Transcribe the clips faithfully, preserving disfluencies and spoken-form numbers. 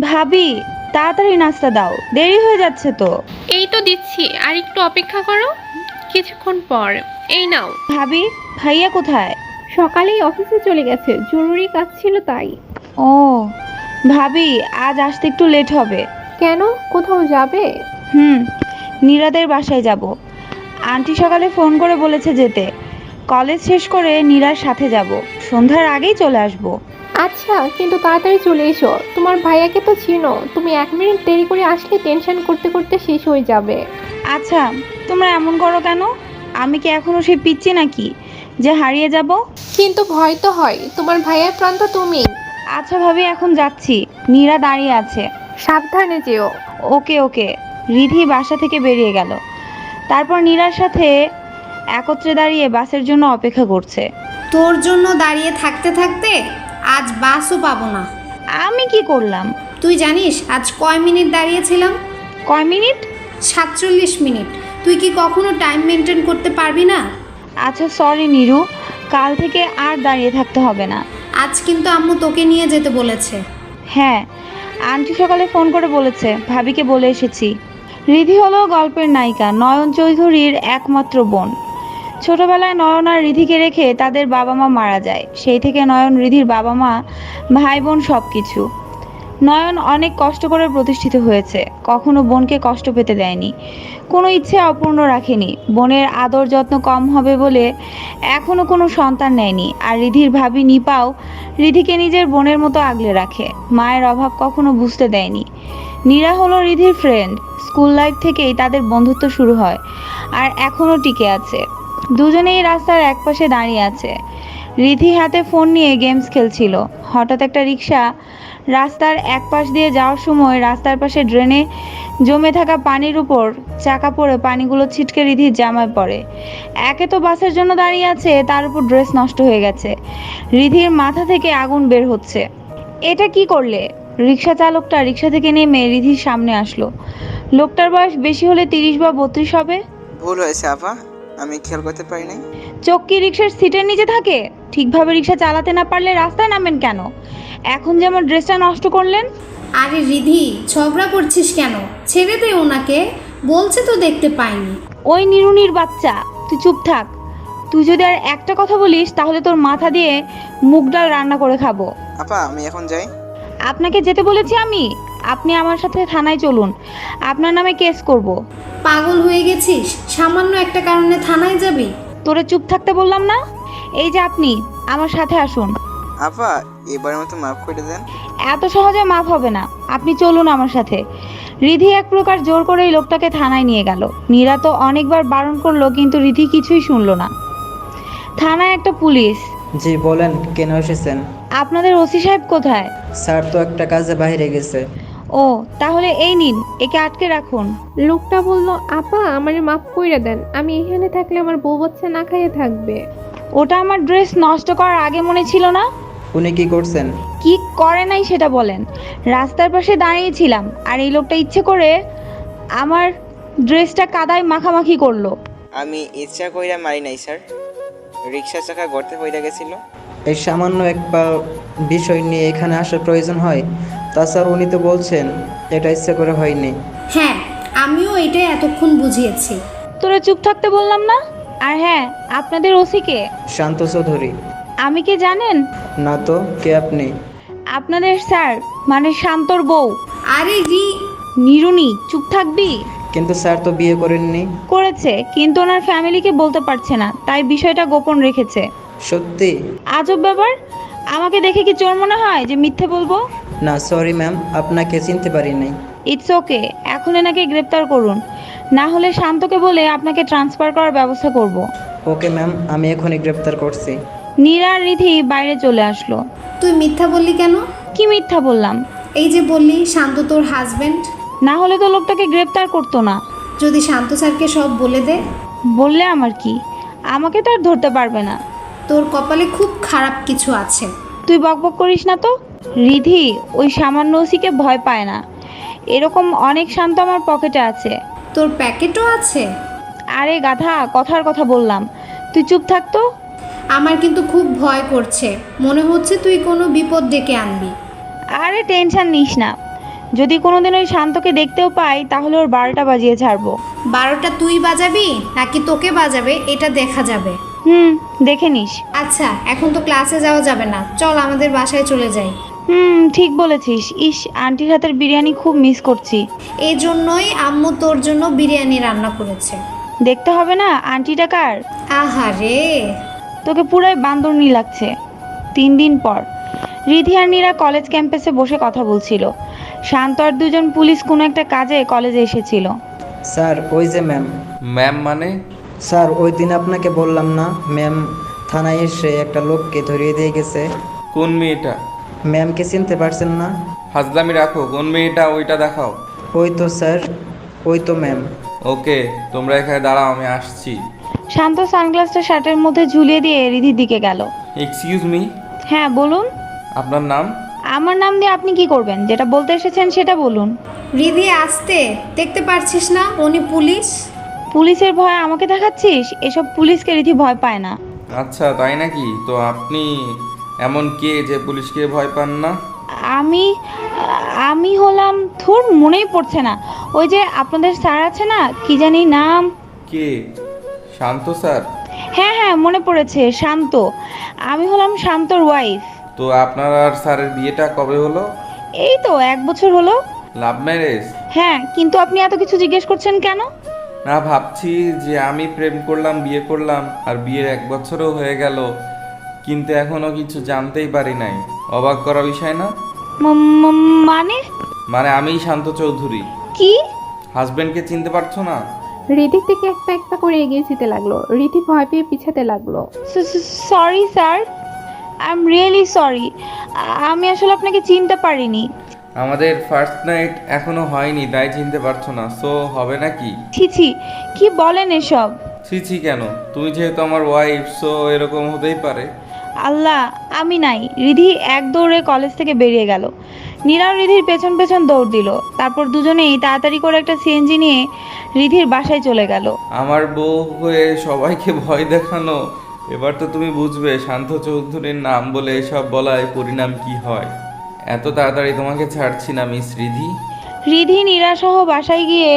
ভাবি, তাড়াতাড়ি নাস্তা দাও, দেরি হয়ে যাচ্ছে তো। এই তো দিচ্ছি, আর একটু অপেক্ষা করো, কিছুক্ষণ পর। এই নাও। ভাবি, ভাইয়া কোথায়? সকালেই অফিসে চলে গেছে, জরুরি কাজ ছিল তাই। ও ভাবি, আজ আসতে একটু লেট হবে। কেন, কোথাও যাবে? হুম, নীরাদের বাসায় যাব। আন্টি সকালে ফোন করে বলেছে যেতে। কলেজ শেষ করে নীরার সাথে যাব, সন্ধ্যার আগেই চলে আসব। আচ্ছা, কিন্তু তাড়াতাড়ি চলে এসো, তোমার ভাইয়াকে তো চিনো, তুমি এক মিনিট দেরি করে আসলে টেনশন করতে করতে শেষ হয়ে যাবে। আচ্ছা, তোমরা এমন করো কেন? আমি কি এখনো সেই পিচ্ছি নাকি যে হারিয়ে যাব? কিন্তু ভয় তো হয়, তোমার ভাইয়ার প্রাণ তো তুমি। আচ্ছা ভাবি, এখন যাচ্ছি। নীরা দাঁড়িয়ে আছে। সাবধানে যেও। ওকে ওকে। রিধি বাসা থেকে বেরিয়ে গেল। তারপর নীরার সাথে একত্রে দাঁড়িয়ে বাসের জন্য অপেক্ষা করছে। তোর জন্য দাঁড়িয়ে থাকতে থাকতে আজ বাসও পাবো না। আমি কি করলাম? তুই জানিস আজ কয় মিনিট দাঁড়িয়েছিলাম? কয় মিনিট? সাতচল্লিশ মিনিট। তুই কি কখনো টাইম মেনটেন করতে পারবি না? আচ্ছা সরি নীরু, কাল থেকে আর দাঁড়িয়ে থাকতে হবে না। আজ কিন্তু আম্মু তোকে নিয়ে যেতে বলেছে। হ্যাঁ, আন্টি সকালে ফোন করে বলেছে, ভাবিকে বলে এসেছি। রিধি হলো গল্পের নায়িকা নয়ন চৌধুরীর একমাত্র বোন। ছোটবেলায় নয়ন আর রিধিকে রেখে তাদের বাবা মা মারা যায়। সেই থেকে নয়ন রিধির বাবা মা, ভাই বোন সব কিছু। নয়ন অনেক কষ্ট করে প্রতিষ্ঠিত হয়েছে, কখনো বোনকে কষ্ট পেতে দেয়নি, কোনো ইচ্ছে অপূর্ণ রাখেনি। বোনের আদর যত্ন কম হবে বলে এখনো কোনো সন্তান নেয়নি। আর রিধির ভাবি নিপাও রিধিকে নিজের বোনের মতো আগলে রাখে, মায়ের অভাব কখনো বুঝতে দেয়নি। নীরা হলো রিধির ফ্রেন্ড, স্কুল লাইফ থেকেই তাদের বন্ধুত্ব শুরু হয় আর এখনো টিকে আছে। দুজনেই রাস্তার একপাশে দাঁড়িয়ে আছে। রিধি হাতে ফোন নিয়ে গেমস খেলছিল। হঠাৎ একটা রিক্সা রাস্তার এক পাশ দিয়ে যাওয়ার সময় রাস্তার পাশে ড্রেনে জমে থাকা পানির উপর চাকা পড়ে পানিগুলো ছিটকে রিধির জামায় পড়ে। একে তো বাসের জন্য দাঁড়িয়ে আছে, তার উপর ড্রেস নষ্ট হয়ে গেছে। রিধির মাথা থেকে আগুন বের হচ্ছে। এটা কি করলে? রিক্সা চালকটা রিক্সা থেকে নেমে রিধির সামনে আসলো। লোকটার বয়স বেশি হলে তিরিশ বা বত্রিশ হবে। ভুল হয়েছে আপা, আমি খেয়াল করতে পারি নাই। চোখ কি রিক্সার সিটের নিচে থাকে? ঠিকভাবে রিক্সা চালাতে না পারলে রাস্তায় নামেন কেন? এখন যেমন ড্রেসটা নষ্ট করলেন। আরে রিধি, ঝগড়া করছিস কেন? ছেড়ে দে ওনাকে, বলছে তো দেখতে পাইনি। ওই নিরুনির বাচ্চা, তুই চুপ থাক। তুই যদি আর একটা কথা বলিস তাহলে তোর মাথা দিয়ে মুগ ডাল রান্না করে খাবো। আপা আমি এখন যাই। আপনাকে যেতে বলেছি আমি? আপনি আমার সাথে থানায় চলুন, আপনার নামে কেস করব। পাগল হয়ে গেছিস? সামান্য একটা কারণে থানায় যাবি? তোরে চুপ থাকতে বললাম না? এই যে আপনি আমার সাথে আসুন। আপা এবারের মতো মাফ করে দেন। এত সহজে মাফ হবে না, আপনি চলুন আমার সাথে। রিধি এক প্রকার জোর করেই লোকটাকে থানায় নিয়ে গেল। নীরা তো অনেকবার বারণ করলো কিন্তু রিধি কিছুই শুনলো না। থানায় একটা পুলিশ। জি বলেন, কেন এসেছেন? আপনাদের ওসি সাহেব কোথায়? স্যার তো একটা কাজে বাইরে গেছে। ও তাহলে এই নিন, একে আটকে রাখুন। লোকটা বলল, আপা আমারে মাফ কইরা দেন, আমি এখানে থাকলে আমার বউ বাচ্চা না খাইয়ে থাকবে। ওটা আমার ড্রেস নষ্ট করার আগে মনে ছিল না? উনি কি করছেন? কি করে নাই সেটা বলেন। রাস্তার পাশে দাঁড়িয়েছিলাম আর এই লোকটা ইচ্ছে করে আমার ড্রেসটা কাদায় মাখামাখি করলো। আমি ইচ্ছা কইরা মারি নাই স্যার, রিক্সা চাকা গর্তে পড়ে গেছিল। এই সামান্য একটা বিষয় নিয়ে এখানে আসার প্রয়োজন হয়? তাছাড়া উনি তো বলছেন এটা ইচ্ছা করে হয়নি। হ্যাঁ, আমিও এটাই এতক্ষণ বুঝিয়েছি। তোরা চুপ থাকতে বললাম না? আর হ্যাঁ, আপনাদের ওসি কে? শান্ত চৌধুরী। আমি কে জানেন? না তো, কে আপনি? আপনাদের স্যার, মানে শান্তর বউ। আরে রি নিরুনি, চুপ থাকবি? কিন্তু স্যার তো বিয়ে করেননি। করেছে, কিন্তু ওনার ফ্যামিলিকে বলতে পারছে না, তাই বিষয়টা গোপন রেখেছে। সত্যি? আজব ব্যাপার। আমাকে দেখে কি চোর মনে হয় যে মিথ্যে বলবো? না সরি ম্যাম, আপনাকে চিনতে পারি নাই। ইটস ওকে, এখন এনাকে গ্রেপ্তার করুন, না হলে শান্তকে বলে আপনাকে ট্রান্সফার করার ব্যবস্থা করব। ওকে ম্যাম, আমি এখনই গ্রেপ্তার করছি। নীরা আর রিধি বাইরে চলে আসলো। তুই মিথ্যা বললি কেন? কি মিথ্যা বললাম? এই যে বললি শান্ত তোর হাজবেন্ড। না হলে তো লোকটাকে গ্রেপ্তার করতো না। যদি শান্ত স্যারকে সব বলে দে? বললে আমার কি? আমাকে তো আর ধরতে পারবে না। তোর কপালে খুব খারাপ কিছু আছে। তুই বকবক করিস না তো। রিধি ওই সামান্য ওসিকে ভয় পায় না। এরকম অনেক শান্ত আমার পকেটে আছে। তোর প্যাকেটও আছে? আরে গাধা, কথার কথা বললাম। তুই চুপ থাকতো। আমার কিন্তু খুব ভয় করছে, মনে হচ্ছে তুই কোনো বিপদ ডেকে আনবি। আরে টেনশন নিস না, যদি কোনোদিন ওই শান্তকে দেখতেও পাই তাহলে ওর বারোটা বাজিয়ে ছাড়বো। বারোটা তুই বাজাবি নাকি তোকে বাজাবে এটা দেখা যাবে। হুম, দেখে নিস। আচ্ছা এখন তো ক্লাসে যাওয়া যাবে না, চল আমাদের বাসায় চলে যাই। হুম, ঠিক বলেছিস। ইস, আন্টির হাতের বিরিয়ানি খুব মিস করছি। এই জন্যই আম্মু তোর জন্য বিরিয়ানি রান্না করেছে। দেখতে হবে না আন্টিটা কার? আহারে, তোকে পুরাই বান্দরনি লাগছে। তিন দিন পর রিধি আর নীরা কলেজ ক্যাম্পাসে বসে কথা বলছিল। শান্ত আর দুজন পুলিশ কোনো একটা কাজে কলেজে এসেছিল। স্যার ওই যে ম্যাম। ম্যাম মানে? স্যার ওই দিন আপনাকে বললাম না, ম্যাম থানায় এসে একটা লোককে ধরিয়ে দিয়ে গেছে। কোন মেয়েটা? ম্যামকে চিনতে পারছেন না? হাজলামি রাখো, কোন মেয়েটা ওইটা দেখাও। ওই তো স্যার, ওই তো ম্যাম। ওকে, তোমরা এখানে দাঁড়াও, আমি আসছি। শান্ত সানগ্লাসটা শার্টের মধ্যে ঝুলিয়ে দিয়ে রিধির দিকে গেল। এক্সকিউজ মি, হ্যাঁ বলুন। আপনার নাম? আমার নাম দিয়ে আপনি কি করবেন? যেটা বলতে এসেছেন সেটা বলুন। রিধি আসতে দেখতে পারছিস না উনি পুলিশ? পুলিশের ভয় আমাকে দেখাচ্ছিস? এসব পুলিশকে রিধি ভয় পায় না। আচ্ছা তাই নাকি? তো আপনি এমন কে যে পুলিশকে ভয় পান না? আমি আমি হলাম, থোর মনেই পড়ছে না, ওই যে আপনাদের স্যার আছে না, কি জানি নাম। কে? শান্ত স্যার? হ্যাঁ হ্যাঁ মনে পড়েছে, শান্ত। আমি হলাম শান্তর ওয়াইফ। তো আপনার আর স্যারের বিয়েটা কবে হলো? এই তো এক বছর হলো। Love marriage? হ্যাঁ, কিন্তু আপনি এত কিছু জিজ্ঞেস করছেন কেন? না, ভাবছি যে আমি প্রেম করলাম, বিয়ে করলাম, আর বিয়ের এক বছরও হয়ে গেল, কিন্তু এখনো কিছু জানতেই পারি নাই। অবাক করা বিষয় না? ম- ম- মানে মানে আমিই শান্ত চৌধুরী। কি? হাজবেন্ডকে চিনতে পারছো না? রিধির দিকে একটা একটা করে এগিয়ে যেতে লাগলো। রিধি ভয় পেয়ে পিছাতে লাগলো। Sorry sir, I am really sorry. আমি আসলে আপনাকে চিনতে পারিনি। আমাদের ফার্স্ট নাইট এখনো হয়নি, তাই চিনতে পারছো না। সো হবে নাকি? ছি ছি, কি বলেন এসব? ছি ছি কেন? তুমি যেহেতু আমার ওয়াইফ, সো এরকম হতেই পারে। আল্লাহ, আমি নাই। রিধি এক দৌড়ে কলেজ থেকে বেরিয়ে গেল। নীরাও রিধির পেছন পেছন দৌড় দিল। তারপর দুজনেই তাড়াতাড়ি করে একটা সিএনজি নিয়ে রিধির বাসায় চলে গেল। আমার বউ হয়ে সবাইকে ভয় দেখানো, এবার তো তুমি বুঝবে শান্ত চৌধুরীর নাম বলে এসব বলায় পরিণাম কি হয়। এত তাড়াতাড়ি তোমাকে ছাড়ছি না মিস রিধি। রিধি নীরাসহ বাসায় গিয়ে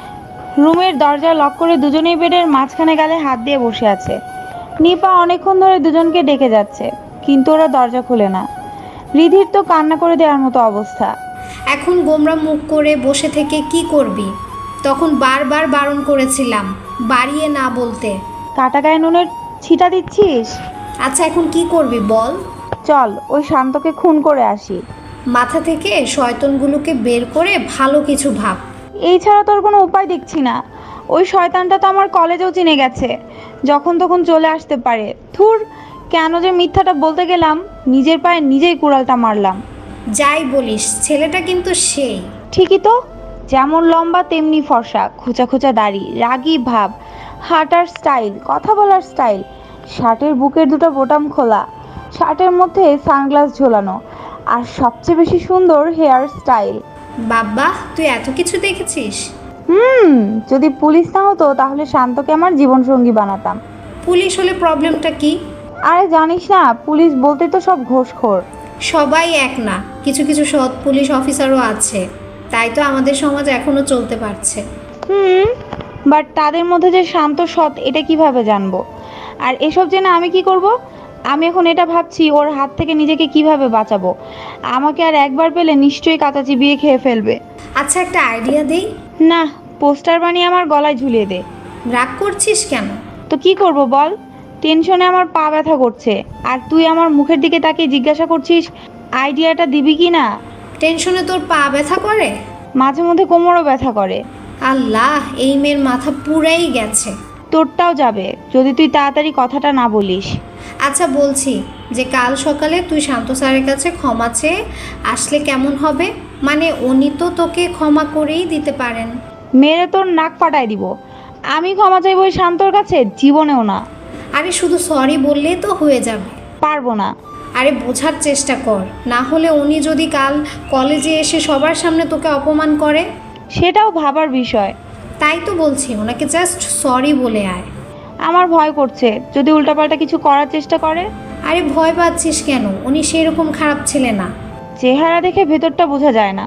রুমের দরজা লক করে দুজনেই বেডের মাঝখানে গালে হাত দিয়ে বসে আছে। নিপা অনেকক্ষণ ধরে দুজনকে ডেকে যাচ্ছে, কিন্তু ওরা দরজা খুলে না। রিধির তো কান্না করে দেওয়ার মতো অবস্থা। এখন গোমরা মুখ করে বসে থেকে কি করবি? তখন বারবার বারণ করেছিলাম বাড়িয়ে না বলতে। কাটা গায়ে নুনের ছিটা দিচ্ছিস? আচ্ছা এখন কি করবি বল? চল ওই শান্তকে খুন করে আসি। মাথা থেকে শয়তানগুলোকে বের করে ভালো কিছু ভাব। এই ছাড়া তোর কোনো উপায় দেখছি না। ওই শয়তানটা তো আমার কলেজেও চিনে গেছে, যখন তখন চলে আসতে পারে। থুর, কেন যে মিথ্যাটা বলতে গেলাম, নিজের পায়ে নিজেই কুড়ালটা মারলাম। যাই বলিস ছেলেটা কিন্তু সেই। ঠিকই তো, যেমন লম্বা তেমনি ফর্সা, খোঁচা খোঁচা দাড়ি, রাগী ভাব, হাঁটার স্টাইল, কথা বলার স্টাইল, শার্টের বুকের দুটো বোতাম খোলা, শার্টের মধ্যে সানগ্লাস ঝোলানো, আর সবচেয়ে বেশি সুন্দর হেয়ার স্টাইল। বাবা তুই এত কিছু দেখেছিস? হুম, যদি পুলিশ না হতো তাহলে শান্তকে আমার জীবনসঙ্গী বানাতাম। পুলিশ হলে প্রবলেমটা কি? আরে জানিস না, পুলিশ বলতে তো সব ঘোষখোর। সবাই এক না, কিছু কিছু সৎ পুলিশ অফিসারও আছে, তাই তো আমাদের সমাজ এখনো চলতে পারছে। হুম, বাট তাদের মধ্যে যে শান্ত সৎ এটা কিভাবে জানবো? আর এসব জেনে আমি কি করব? আমি এখন এটা ভাবছি ওর হাত থেকে নিজেকে কিভাবে বাঁচাবো। আমাকে আর একবার পেলে নিশ্চয়ই কাঁচা চিবিয়ে খেয়ে ফেলবে। আচ্ছা একটা আইডিয়া দেই। না, পোস্টার বানিয়ে আমার গলায় ঝুলিয়ে দে। রাগ করছিস কেন? তো কি করব বল? টেনশনে আমার পা ব্যথা করছে, আর তুই আমার মুখের দিকে তাকিয়ে জিজ্ঞাসা করছিস আইডিয়াটা দিবি কি না। টেনশনে তোর পা ব্যথা করে? মাঝে মধ্যে কোমরও ব্যথা করে। আল্লাহ, এই মেয়ের মাথা পুরাই গেছে। তোরটাও যাবে যদি তুই তাড়াতাড়ি কথাটা না বলিস। আচ্ছা বলছি যে কাল সকালে তুই শান্ত স্যারের কাছে ক্ষমা চেয়ে আসলে কেমন হবে? মানে উনি তো তোকে ক্ষমা করেই দিতে পারেন। মেরে তোর নাক ফাটায় দিব। আমি ক্ষমা চাইবো ওই শান্তর কাছে? জীবনেও না। আরে শুধু সরি বললেই তো হয়ে যাবে। পারবো না। আরে বোঝার চেষ্টা কর, না হলে উনি যদি কাল কলেজে এসে সবার সামনে তোকে অপমান করে? সেটাও ভাবার বিষয়। তাই তো বলছি ওনাকে জাস্ট সরি বলে আয়। আমার ভয় করছে যদি উল্টাপাল্টা কিছু করার চেষ্টা করে। আরে ভয় পাচ্ছিস কেন? উনি সেরকম খারাপ ছেলে না। চেহারা দেখে ভেতরটা বোঝা যায় না।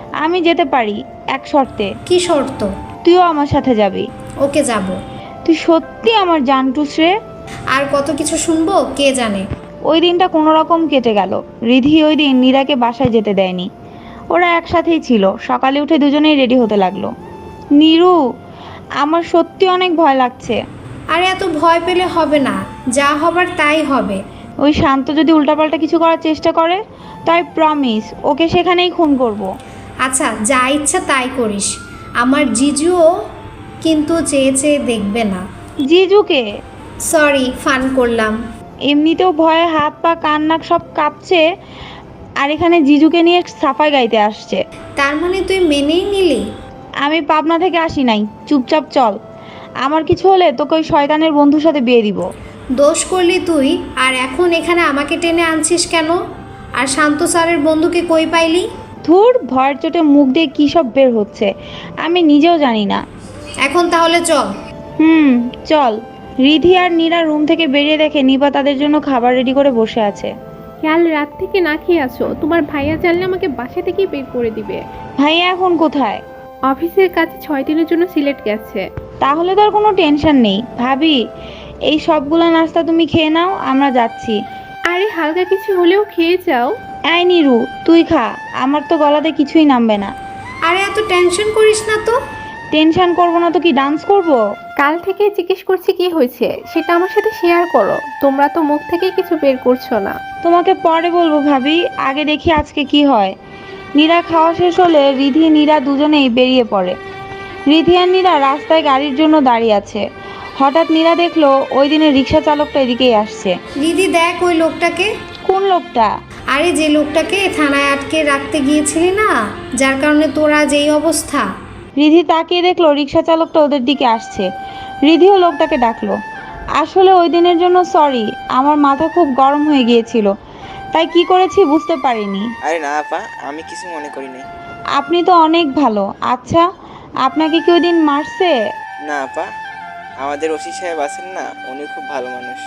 আমি যেতে পারি এক শর্তে। কি শর্ত? তুইও আমার সাথে যাবি। ওকে, যাব। তুই সত্যি আমার জানটুস রে। আর কত কিছু শুনবো কে জানে। ওই দিনটা কোনো রকম কেটে গেল। রিধি ওই দিন নীরাকে বাসায় যেতে দেয়নি। ওরা একসাথেই ছিল। সকালে উঠে দুজনেই রেডি হতে লাগলো। নীরু, আমার সত্যি অনেক ভয় লাগছে। আরে এত ভয় পেলে হবে না, যা হবার তাই হবে। ওই শান্ত যদি উল্টাপাল্টা কিছু করার চেষ্টা করে, তাই প্রমিস ওকে সেখানেই খুন করব। আচ্ছা, যা ইচ্ছা তাই করিস। আমার জিজুও কিন্তু চেয়ে চেয়ে দেখবে না। জিজুকে? সরি, ফান করলাম। এমনিতেও ভয়ে হাত পা কান নাক সব কাঁপছে, আর এখানে জিজুকে নিয়ে সাফাই গাইতে আসছে। তার মানে তুই মেনেই নিলি? আমি পাবনা থেকে আসি নাই, চুপচাপ চল। আমার কিছু হলে তোকে ওই শয়তানের বন্ধুর সাথে বিয়ে দিব। দোষ করলি তুই, আর এখন এখানে আমাকে টেনে আনছিস কেন? আর শান্ত স্যারের বন্ধুকে কই পাইলি? ধুর, ভয়ের চোটে মুখ দিয়ে কী সব বের হচ্ছে আমি নিজেও জানি না। এখন তাহলে চল। হুম, চল। রিধি আর নীরা রুম থেকে বেরিয়ে দেখে নিপা তাদের জন্য খাবার রেডি করে বসে আছে। কাল রাত থেকে না খেয়ে আসো, তোমার ভাইয়া জানলে আমাকে বাসা থেকেই বের করে দিবে। ভাইয়া এখন কোথায়? অফিসের কাছে ছয় দিনের জন্য সিলেট গেছে। তাহলে তো আর কোনো টেনশন নেই। ভাবি, এই সবগুলো নাস্তা তুমি খেয়ে নাও, আমরা যাচ্ছি। আরে হালকা কিছু হলেও খেয়ে যাও। আই নিরু, তুই খা, আমার তো গলাতে কিছুই নামবে না। আরে এত টেনশন করিস না তো। টেনশন করবো না তো কি ডান্স করব? কাল থেকে জিজ্ঞেস করছি কি হয়েছে সেটা আমার সাথে শেয়ার করো। তোমরা তো মুখ থেকেই কিছু বের করছো না। তোমাকে পরে বলবো ভাবি, আগে দেখি আজকে কি হয়। নীরা খাওয়া শেষ হলে রিধি নীরা দুজনেই বেরিয়ে পড়ে। রিধি আর নীরা রাস্তায় গাড়ির জন্য দাঁড়িয়ে আছে। হঠাৎ নীরা দেখলো ওই দিনের রিক্সা চালকটা এদিকেই আসছে। দিদি দেখ ওই লোকটাকে। কোন লোকটা? আরে যে লোকটাকে থানায় আটকে রাখতে গিয়েছিলি না, যার কারণে তোরা যেই অবস্থা। রিধি তাকিয়ে দেখলো রিক্সা চালকটা ওদের দিকে আসছে। রিধিও লোকটাকে ডাকলো। আসলে ওই দিনের জন্য সরি, আমার মাথা খুব গরম হয়ে গিয়েছিল, তাই কি করেছি বুঝতে পারিনি। আরে না আপা, আমি কিছু মনে করি নাই। আপনি তো অনেক ভালো। আচ্ছা, আপনাকে কি ওই দিন মারছে? না আপা, আমাদের ওসি সাহেব আছেন না, উনি খুব ভালো মানুষ।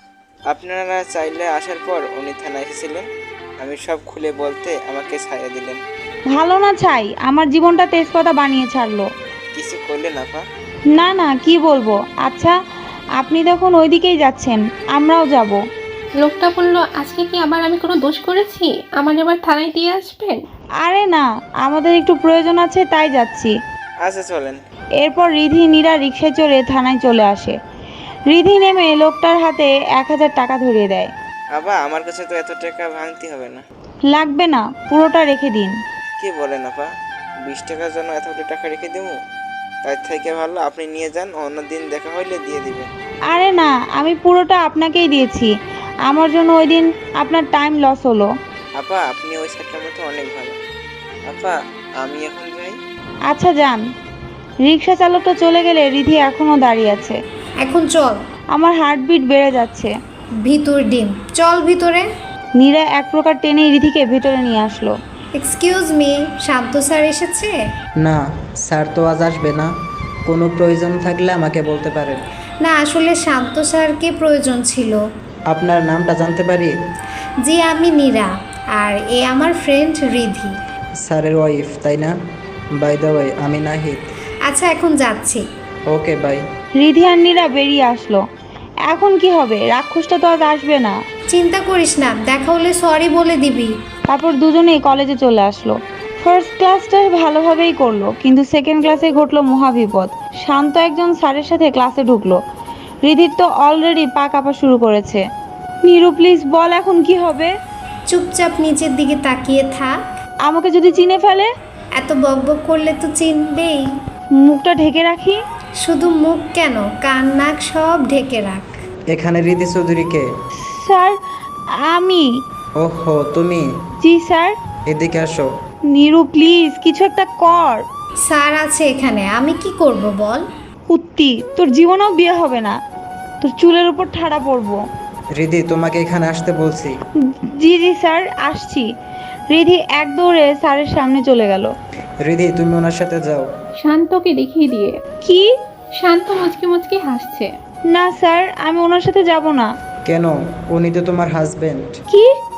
আপনারা চাইলে আসার পর উনি থানায় এসেছিলেন, আমি সব খুলে বলতে আমাকে ছায়া দিলেন। ভালো না চাই, আমার জীবনটা তেজপাতা বানিয়ে ছাড়লো। কিছু করলেন আপা? না না, কি বলবো। আচ্ছা, আপনি তখন ওই দিকেই যাচ্ছেন, আমরাও যাব। লোকটা বলল, আজকে কি আবার আমি কোনো দোষ করেছি? আমার এবার থানায় দিয়ে আসবেন? আরে না, আমাদের একটু প্রয়োজন আছে তাই যাচ্ছি। আচ্ছা চলেন। এরপর রিধি নীরা রিক্সায় চড়ে থানায় চলে আসে। রিধি নেমে লোকটার হাতে এক হাজার টাকা ধরিয়ে দেয়। আপা, আমার কাছে তো এত টাকা ভাঙতে হবে না। লাগবে না, পুরোটা রেখে দিন। কি বলেন আপা, বিশ টাকার জন্য এতগুলো টাকা রেখে দেবো? তার থেকে ভালো আপনি নিয়ে যান, অন্যদিন দেখা হইলে দিয়ে দিবেন। আরে না, আমি পুরোটা আপনাকেই দিয়েছি। আমার জন্য ওই দিন আপনার টাইম লস হলো। আপা, আপনি ওই সাইডটার মতো অনেক ভালো। আপা, আমি এখন যাই। আচ্ছা যান। রিক্সা চালকটা চলে গেলে রিধি এখনও দাঁড়িয়ে আছে। এখন চল। আমার হার্টবিট বেড়ে যাচ্ছে। ভিতর ডিম, চল ভিতরে। নীরা এক প্রকার টেনেই রিধিকে ভেতরে নিয়ে আসলো। এক্সকিউজ মি, শান্ত স্যার এসেছে? না, স্যার তো আজ আসবে না। কোনো প্রয়োজন থাকলে আমাকে বলতে পারেন। না, আসলে শান্ত স্যারকে প্রয়োজন ছিল। আপনার নামটা জানতে পারি? জি, আমি নীরা, আর এ আমার ফ্রেন্ড রিধি। স্যারের ওয়াইফ তাই না? বাই দ্য ওয়ে, আমি নাহিদ। আচ্ছা, এখন যাচ্ছি। Okay bye. রিধি আর নীরা বেরিয়ে আসলো। এখন কি হবে? রাক্ষসটা তো আজ আসবে না। চিন্তা করিস না, দেখা হলে সরি বলে দিবি। তারপর দুজনেই কলেজে চলে আসলো। ফার্স্ট ক্লাসটা ভালোভাবেই করলো, কিন্তু সেকেন্ড ক্লাসে ঘটলো মহাবিপদ। শান্ত একজন স্যারের সাথে ক্লাসে ঢুকলো। রিধির তো অলরেডি পা কাঁপা শুরু করেছে। নীরু প্লিজ বল, এখন কি হবে? চুপচাপ নিচের দিকে তাকিয়ে থাক। আমাকে যদি চিনে ফেলে? এত বকবক করলে তো চিনবেই। মুখটা ঢেকে রাখি? শুধু মুখ কেন, কান নাক সব ঢেকে রাখ। এখানে রিধি চৌধুরীকে? স্যার, আমি। ওহো, তুমি? জি স্যার। এদিকে আসো। নীরু প্লিজ কিছু একটা কর। স্যার আছে এখানে, আমি কি করব বল? উত্তি, তোর জীবনেও বিয়ে হবে না, তোর চুলের উপর ঠাড়া পড়বো। রিধি, তোমাকে এখানে আসতে বলছি। জি জি স্যার, আসছি। রিধি এক দৌড়ে স্যারের সামনে চলে গেল। রিধি, তুমি ওনার সাথে যাও। শান্তকে দেখিয়ে দিয়ে। কি? শান্ত মুচকি মুচকি হাসছে। না স্যার, আমি ওনার সাথে যাব না। কেন? উনি তো তোমার হাজবেন্ড। কি?